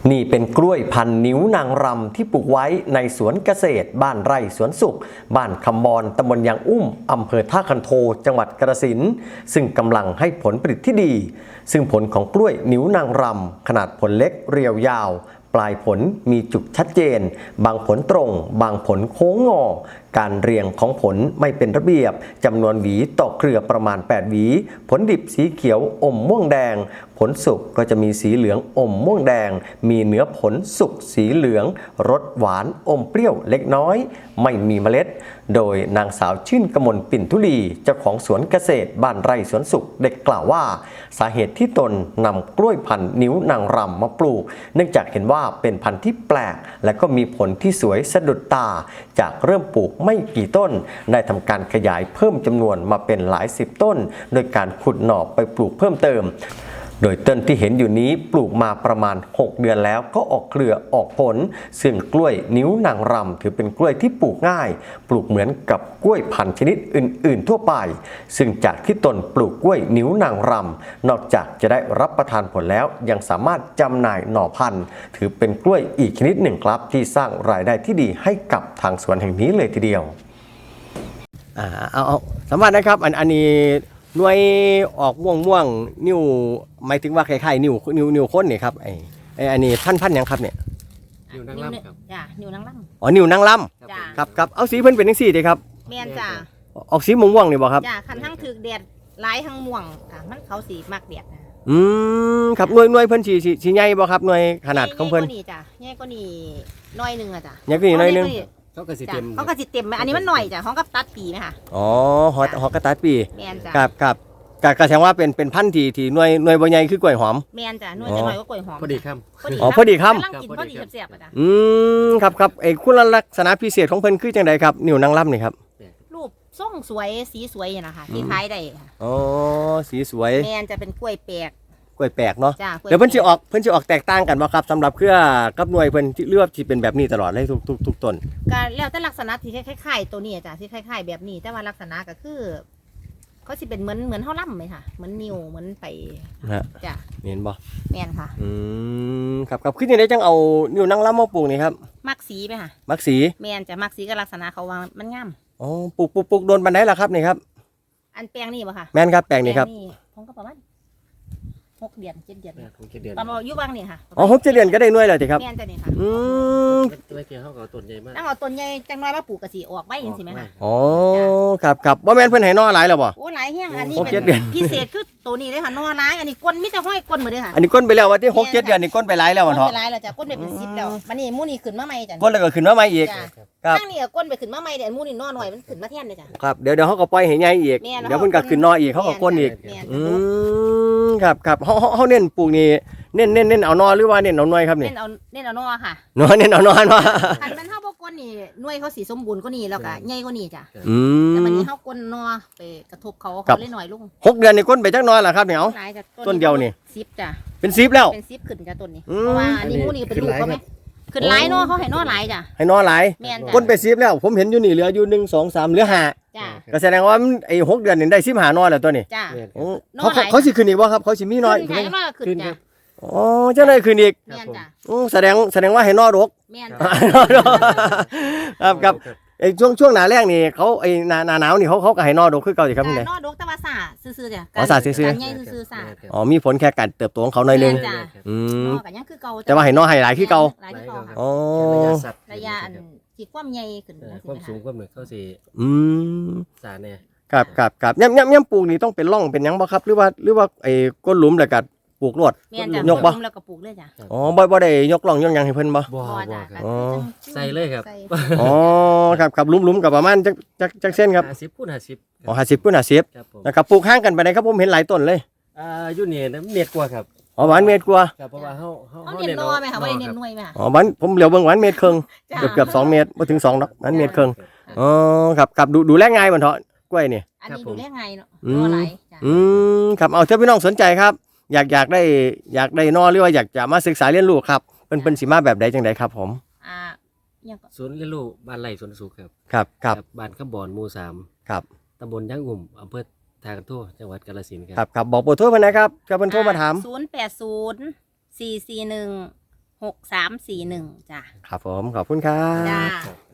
นี่เป็นกล้วยพันธุ์นิ้วนางรำที่ปลูกไว้ในสวนเกษตรบ้านไร่สวนสุขบ้านคำบอนตำบลยางอุ้มอำเภอท่าคันโทจังหวัดกาฬสินธุ์ซึ่งกำลังให้ผลผลิตที่ดีซึ่งผลของกล้วยนิ้วนางรำขนาดผลเล็กเรียวยาวปลายผลมีจุกชัดเจนบางผลตรงบางผลโค้งงอการเรียงของผลไม่เป็นระเบียบจำนวนหวีต่อเครือประมาณ8หวีผลดิบสีเขียวอมม่วงแดงผลสุกก็จะมีสีเหลืองอมม่วงแดงมีเนื้อผลสุกสีเหลืองรสหวานอมเปรี้ยวเล็กน้อยไม่มีเมล็ดโดยนางสาวชื่นกมลปิ่นทุลีเจ้าของสวนเกษตรบ้านไร่สวนสุขเด็กกล่าวว่าสาเหตุที่ตนนำกล้วยพันธุ์นิ้วนางรำมาปลูกเนื่องจากเห็นว่าเป็นพันธุ์ที่แปลกและก็มีผลที่สวยสะดุดตาจากเริ่มปลูกไม่กี่ต้นได้ทำการขยายเพิ่มจำนวนมาเป็นหลายสิบต้นโดยการขุดหน่อไปปลูกเพิ่มเติมโดยต้นที่เห็นอยู่นี้ปลูกมาประมาณ6เดือนแล้วก็ออกเครือออกผลซึ่งกล้วยนิ้วนางรำถือเป็นกล้วยที่ปลูกง่ายปลูกเหมือนกับกล้วยพันธุ์ชนิดอื่นๆทั่วไปซึ่งจากที่ตนปลูกกล้วยนิ้วนางรำนอกจากจะได้รับประทานผลแล้วยังสามารถจำหน่ายหน่อพันธุ์ถือเป็นกล้วยอีกชนิดหนึ่งครับที่สร้างรายได้ที่ดีให้กับทางสวนแห่งนี้เลยทีเดียวเอาสามารถนะครับอันนี้หน่วยออกม่วงนิ้วหมายถึงว่าคล้ายๆนิ้วข้นนี่ครับอันนี้พันยังครับเนี่ยนิ้วนางล่ำครับจ้ะนิ้วนางล่ำอ๋อนิ้วนางล่ำจ้ะครับเอาสีเพิ่นเป็นจังซี่เด้ครับแม่นจ้ะออกสีม่วงนี่บ่ครับจ้ะคันทั้งถึกแดดหลายทั้งม่วงค่ะมันเขาสีมักแดดครับหน่วยเพิ่นสิใหญ่บ่ครับหน่วยขนาดของเพิ่นใหญ่กว่านี้จ้ะใหญ่กว่านี้น้อยนึงอ่ะจ้ะใหญ่กว่านี้น้อยนึงเขาก็สิเต็มเขาก็สิเต็มอันนี้มันหน่อยจ้ะของกับตัดปีไหมคะอ๋อหอกระตัดปีแม่นจ้ะครับก็แสดงว่าเป็นพันธุ์ที่หน่วยบ่ใหญ่คือกล้วยหอมแม่นจ้ะหน่วยจะน้อยกว่ากล้วยหอมพอดีครับพอดีครับกำลังกินพอดีแซ่บๆอ่ะจ้ะครับคุณลักษณะพิเศษของเพิ่นคือจังไดครับนิ้วนางล่ำนี่ครับรูปทรงสวยสีสวยนะคะที่ขายได้ค่ะอ๋อสีสวยแม่นจะเป็นกล้วยแปลกเนาะเดี๋ยวเพิ่นสิออกแตกต่างกันบ่ครับสำหรับเครือกับหน่วยเพิ่นที่เลือกที่เป็นแบบนี้ตลอดเลยทุกต้นก็แล้วแต่ลักษณะที่คล้ายๆตัวนี้จ้ะที่คล้ายๆแบบนี้แต่ว่าลักษณะก็คือเขาสิเป็นเหมือนเฮาล่ำไหมค่ะเหมือนนิ้วเหมือนไปจ้ะเห็นบ่แม่นค่ะครับคือจังได๋จังเอานิ้วนางล่ำมาปลูกนี่ครับมักสีไหมค่ะมักสีแม่นจะมักสีกับลักษณะเขาว่ามันงามอ๋อปลูกโดนปานใดล่ะครับนี่ครับอันแปลงนี่บ่ค่ะแม่นครับแปลงนี่ครับผมก็ประมาณ6 เดือน7 เดือนตอนมาอยู่บางนี่ค่ะอ๋อ6 7 เดือนก็ได้หน่วยแล้วสิครับแม่นจ้ะนี่ค่ะตัวเกี่ยวเขาก็ต้นใหญ่มากต้องเอาต้นใหญ่จังน้อยมาปลูกกะสิออกไว้จังซี่มั้ยค่ะอ๋อครับบ่แม่นเพิ่นให้นอหลายแล้วบ่โอ้หลายแฮงอันนี้เป็นพิเศษคือตัวนี้เลยค่ะนอหลายอันนี้ก้นมีแต่ห้อยก้นหมดเลยค่ะอันนี้ก้นไปแล้วว่าที่6 7 เดือนนี่ก้นไปหลายแล้วบ่เนาะก้นไปหลายแล้วจ้ะก้นไปเป็น10แล้วมันนี่มูนี่ขึ้นมาใหม่จ้ะก้นแล้วก็ขึ้นมาใหม่อีกครับข้างนี้ก้นไปขึ้นมาใหม่เดี๋ยวมูนี่นอหน่อยมันขึ้นมาแทนเลยจ้ะครับเดี๋ยวเขาก็ปล่อยให้ใหญ่อีกเดี๋ยวเพิ่นก็ขึ้นนออีกเขาก็ก้นอีกครับเฮาเน้นปลูกนี่เน้นเอานอหรือว่าเน้นเอาหน่วยครับนี่เน้นเอานอค่ะเน้นเอานอเนาะคันมันเฮาบ่ก้นนี่หน่วยเขาสิสมบูรณ์กว่านี้แล้วก็ใหญ่กว่านี้จ้ะแต่มันนี้เฮาก้นนอไปกระทบเขาเลยหน่อยลง 6 เดือนนี่ก้นไปจักนอล่ะครับเนี่ยเอาต้นเดียวนี่ 10จ้ะเป็น10แล้วเป็น10ขึ้นจ้ะต้นนี้เพราะว่าอันนี้มูนี่เป็นลูกเขามั้ยขึ้นหลายนอเขาให้นอหลายจ้ะให้นอหลายก้นไป10แล้วผมเห็นอยู่นี่เหลืออยู่1 2 3เหลือ5 จ้ะก็แสดงว่าไอ้6 เดือนนี่ได้15นอแล้วตัวนี้จ้ะเขาสิขึ้นอีกบ่ครับเขาสิมีน้อยขึ้นจ้ะอ๋อจังได๋ขึ้นอีกแม่นจ้ะแสดงว่าให้นอรกแม่นครับไอ้ช่วงหน้าแล้งนี่เขาไอ้หน้าหนาวนี่เขาก็ให้นอรกคือเก่าสิครับนี่นอรกแต่ว่าซ่าซื่อๆจ้ะอ๋อซ่าซื่อๆใหญ่ซื่อๆซ่าอ๋อมีผลแค่การเติบโตของเขาหน่อยนึงก็ยังคือเก่าแต่ว่าให้นอให้หลายคือเก่าอ๋อระยะอันที่ความใหญ่ขึ้นความสูงความเหนือเข้าสิสาเนี่ยครับย่ำปลูกนี่ต้องเป็นร่องเป็นยังบ่ครับหรือว่าไอ้ก้นหลุมแล้วก็ปลูกรวดยกบ่แล้วก็ปลูกเลยจ้ะอ๋อบ่ได้ยกร่องยังให้เพิ่นบ่ครับใส่เลยครับอ๋อครับหลุมกับประมาณจักเส้นครับ 50 คูณ 50 อ๋อ50 คูณ 50แล้วก็ปลูกห่างกันไปไหนครับผมเห็นหลายต้นเลยอยู่นี่เมตรกว่าครับอ๋อหวานเมตรกว่าครับเพราะว่าเฮาเน้นนอมั้ยค่ะบ่ได้เน้นหน่วยมั้ยอ๋อหวานผมเหลียวเบิ่งหวานเมตรครึ่งเกือบ2 เมตรบ่ถึง2ดอกหวานเมตรครึ่งอ๋อครับดูแลง่ายบ่เถาะกล้วยนี่อันนี้ดูแลง่ายเนาะนอหลายครับเอาถ้าพี่น้องสนใจครับอยากได้นอหรือว่าอยากจะมาศึกษาเรียนรู้ครับเป็นสิมาแบบใดจังไดครับผมศูนย์เรียนรู้บ้านไร่สวนสุขครับบ้านคำบอนหมู่3 ครับตำบลยางอุ่มอำเภอท่าคันโทจังหวัดกาฬสินธุ์ครับบอกเบอร์โทรเพิ่นนะครับจะเพิ่นโทรมาถาม 080 441 6341จ้ะครับผมขอบคุณครับจ้า